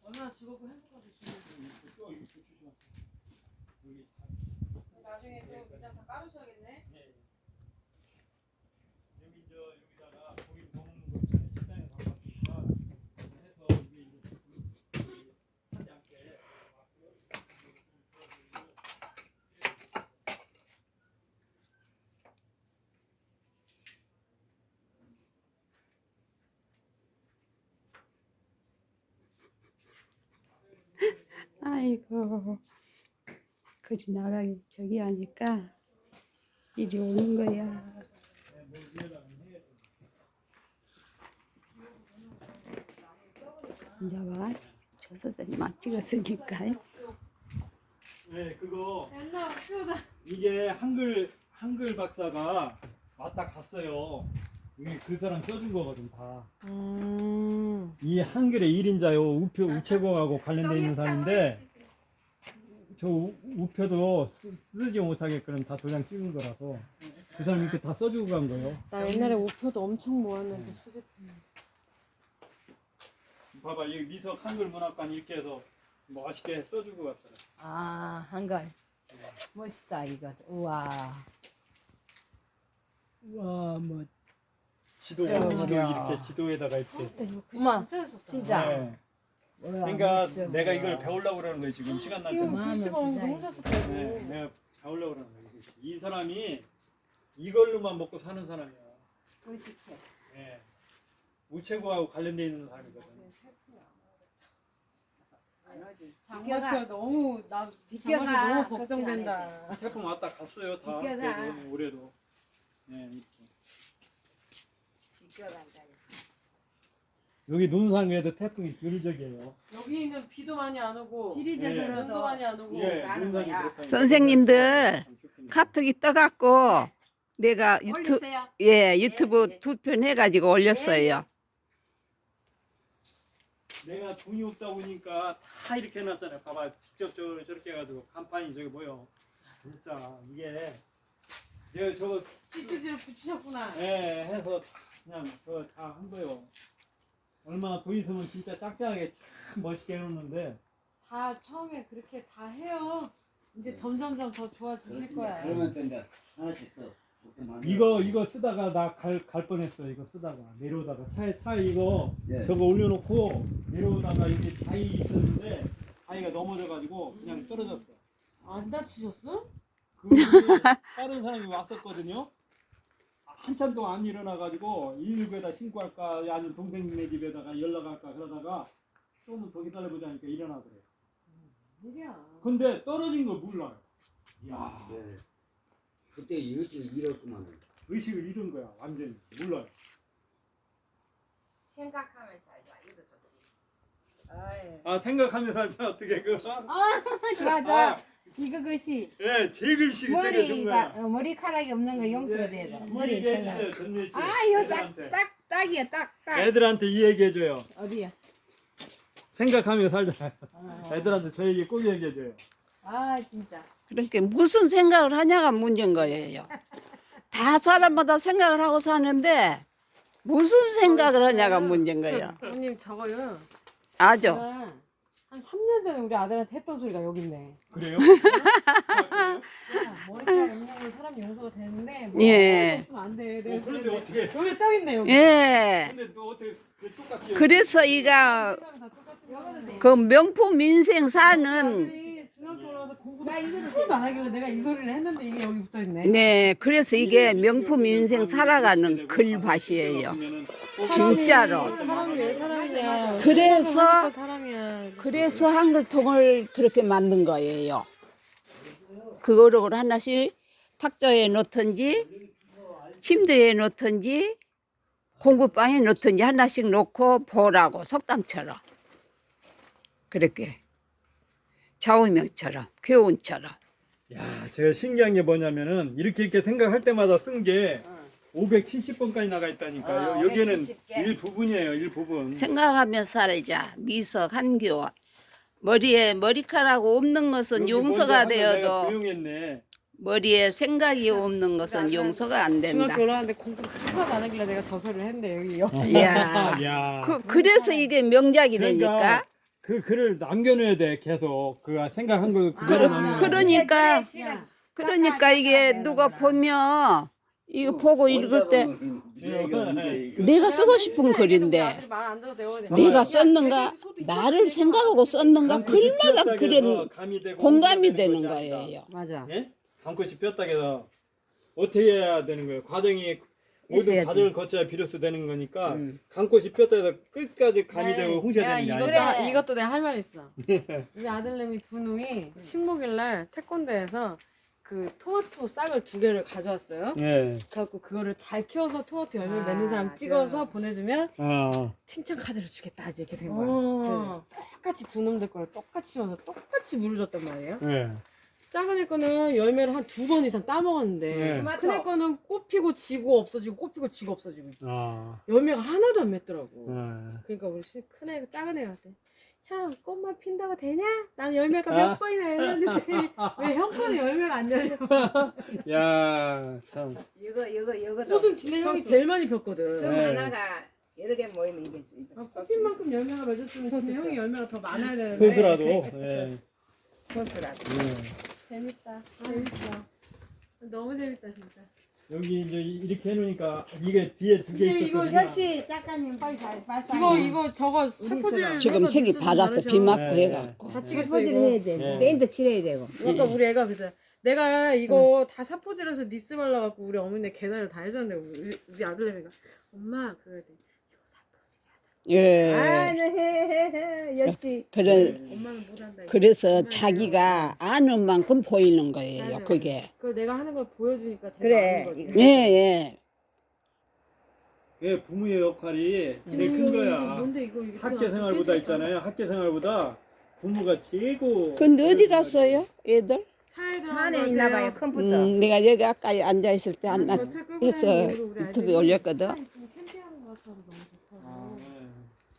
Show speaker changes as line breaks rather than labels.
얼마나 즐겁고 행복한지 나중에 또 밑장 다 깔으셔야겠네.
여기 여기다가 고기 구워 먹는 거 있잖아요. 식당에 가봤으니까 해서 이게 하지 않게
아이고, 그리 나가기 저기 하니까 이리 오는 거야. 이제 봐, 저 선생님만 찍었으니까.
네, 그거
옛날 표다.
이게 한글 박사가 왔다 갔어요. 이게 그 사람 써준 거거든 다. 이 한글의 1인자요. 우체국하고 관련돼 있는 사람인데 저 우표도 쓰지 못하게끔 다 도장 찍은 거라서 그 사람 이렇게 다 써주고 간 거예요.
나 옛날에 우표도 엄청 모았는데 수제품.
봐봐, 이 미석 한글 문학관 이렇게 해서 멋있게 써주고 갔잖아.
아, 한글. 멋있다, 이거. 우와. 우와, 뭐.
지도
어머나.
이렇게 지도에다가 이렇게.
엄마,
진짜 했었다.
진짜.
네.
뭐야,
그러니까
멋져,
내가
뭐야.
이걸 배우려고 그러는 거예요 지금 시간 날
이거
때마다.
글씨가 없는데
디자인.
혼자 썼다고.
네, 내가 배우려고 그러는 거예요. 이 사람이 이걸로만 먹고 사는 사람이야.
글씨체.
네. 우체국하고 관련돼 있는 사람이거든.
장마철 너무 나
비껴가.
장마철 너무
걱정
걱정된다.
태풍 왔다 갔어요 다.
비껴가.
그래도 올해도. 네, 이렇게.
비껴간다.
여기 논산에도 태풍이 비일적이에요.
여기는 비도 많이 안 오고 눈도
지리적으로도
많이 안 오고
예,
나는
논산이
거야.
그렇다니까.
선생님들,
참 좋겠네요.
카톡이 떠갖고 내가
올리세요.
유튜브
예.
2편 해가지고 올렸어요.
내가 돈이 없다 보니까 다 이렇게 해놨잖아요. 봐봐, 직접 저렇게 해가지고 간판이 저기 뭐요. 진짜 이게 내가 저거
찌끄지를 붙이셨구나.
예 해서 그냥 저 다 한 거요. 얼마나 돈 있으면 진짜 짝짝하게 참 멋있게 해놓는데
다 처음에 그렇게 다 해요. 이제 점점점 더 좋아지실 거야.
그러면서 이제 하나씩 또 이렇게 만들어.
이거 쓰다가 나 갈 뻔했어. 이거 쓰다가 내려오다가 차에 이거
예.
저거 올려놓고 내려오다가 여기 바위 있었는데 바위가 넘어져가지고 그냥 떨어졌어.
안 다치셨어?
그 다른 사람이 왔었거든요. 한참 동안 안 일어나가지고 119에다 신고할까 아니면 동생네 집에다가 연락할까 그러다가 조금 더 기다려보자니까 일어나더래.
일이야.
근데 떨어진 걸 몰라요. 이야,
네. 그때 의식을 잃었구만.
의식을 잃은 거야. 완전히 몰라요.
생각하면서 살자. 이것도 좋지. 아이.
아 생각하면서 살자 어떻게 그거?
좋아, 좋아. 이거 글씨.
예, 제 글씨 저게 좋은 거야.
머리카락이 없는 거 용서가 돼야 돼. 머리
얘기해
생각.
주세요, 전미애 씨.
아, 이거
애들한테.
딱이야, 딱.
애들한테 이 얘기해줘요.
어디야?
생각하며 살자. 애들한테 저 얘기 꼭 얘기해줘요.
아, 진짜.
그러니까 무슨 생각을 하냐가 문제인 거예요. 다 사람마다 생각을 하고 사는데 무슨 생각을 하냐가 문제인 거예요.
형님 저거요.
아죠?
제가 한 3년 전에 우리 아들한테 했던 소리가 여기 있네.
그래요?
야, 머리카락 없는 건 사람 용서가 되는데 뭐
예.
없으면 안 돼. 내가
그런데
그랬는데
어떻게?
여기 딱 있네 여기.
예.
근데 너 어떻게 그 똑같이?
그래서 이가
생각이 다 똑같은 거야.
그 명품 인생 사는
아들이 중학교 올라와서 공부도 하나도 안 하길래 내가 이 소리를 했는데 이게 여기 붙어 있네.
네, 그래서 이게 명품 인생 살아가는 글밭이에요. 진짜로.
사람이 왜 사람이냐.
그래서
하니까 사람이야.
그래서 한글통을 그렇게 만든 거예요. 그거를 하나씩 탁자에 놓든지 침대에 놓든지 공부방에 놓든지 하나씩 놓고 보라고 속담처럼 그렇게 좌우명처럼 교훈처럼.
야, 제가 신기한 게 뭐냐면은 이렇게 생각할 때마다 쓴 게 570번까지 나가 있다니까요. 여기에는
570개.
일부분이에요, 일부분.
생각하며 살자. 미석 한교. 머리에 머리카락 없는 것은
여기
용서가
먼저 하면 내가
되어도
조용했네.
머리에 생각이 없는 것은 용서가 안 된다.
중학교 올라왔는데 공부도 하나도 안 하길래 내가 저 소리를 했는데 여기
이야.
야.
그래서 이게 명작이
그러니까
되니까.
그 글을 남겨놔야 돼 계속 그 생각한 걸 그대로 남겨.
그러니까
야,
그러니까 이게 누가 보면 이거 보고 읽을 때 내가 쓰고 싶은 글인데
말안 들어도 되거든.
내가 썼는가 나를 생각하고 썼는가 글마다 그런 공감이 되는 거예요.
맞아.
예? 감꽃이 폈다 해서 어떻게 해야 되는 거예요? 과정이 모든
있어야지.
과정을 거쳐야 비로소 되는 거니까 감꽃이 폈다 해서 끝까지 감이
네.
되고 홍시가 되는 게 아니야.
이것도 내가 할 말 있어. 우리 아들내미 두 놈이 식목일날 태권도에서 그 토마토 싹을 2개를 가져왔어요.
예.
그래갖고 그거를 잘 키워서 토마토 열매 맺는 사람 찍어서 보내주면
아.
칭찬 카드를 주겠다 이렇게 된 거야. 네. 똑같이 두 놈들 거를 똑같이 심어서 똑같이 물을 줬단 말이에요.
예.
작은 애 거는 열매를 한 2번 이상 따먹었는데
네.
큰 애 거는 꽃피고 지고 없어지고 꽃피고 지고 없어지고
아.
열매가 하나도 안 맺더라고.
예.
그러니까 우리 큰 애, 작은 애한테 형 꽃만 핀다고 되냐? 나는 열매가 몇
아.
번이나 열렸는데 왜 형 거는 열매가 안 열려?
야, 참.
이거도
꽃은 지네 형이 제일 많이 폈거든.
점
네.
하나가 여러 개 모이면 이게
꽃핀 만큼 열매가 맺었으면 지네 형이 열매가 더 많아야 되는데.
소스라도. 예.
소스라도.
예.
재밌다. 재밌어. 너무 재밌다 진짜.
여기 이제 이렇게 해놓으니까 이게 뒤에 2개
근데 이거
있었거든요.
역시 작가님 빨리 잘 봤어.
이거 저거 살포질
지금
해서
색이
미스는
받았어 비
다르셔.
맞고
네,
해갖고
다치겠어
사포질
이거.
해야 돼.
네.
페인트 칠해야 되고.
아까 우리 애가 그죠. 내가 이거 다 사포질해서 니스 발라갖고 우리 어머니 계단을 다 해줬는데 우리 아들내미가 엄마 그래 돼.
예
아, 네, 역시.
그래
엄마는 못한다. 이거.
그래서 자기가 아는 만큼 보이는 거예요
맞아요.
그게
그 내가 하는 걸 보여주니까 제가
그래.
아는 거지.
예예
그 부모의 역할이 제일 큰 거야.
뭔데 이거 이렇게
학교 생활보다 있잖아요. 학교 생활보다 부모가 최고.
근데 어디 갔어요 애들?
차에
차 안에 있나 봐요, 컴퓨터.
내가 여기 아까 앉아 있을 때 안 했어 유튜브에 올렸거든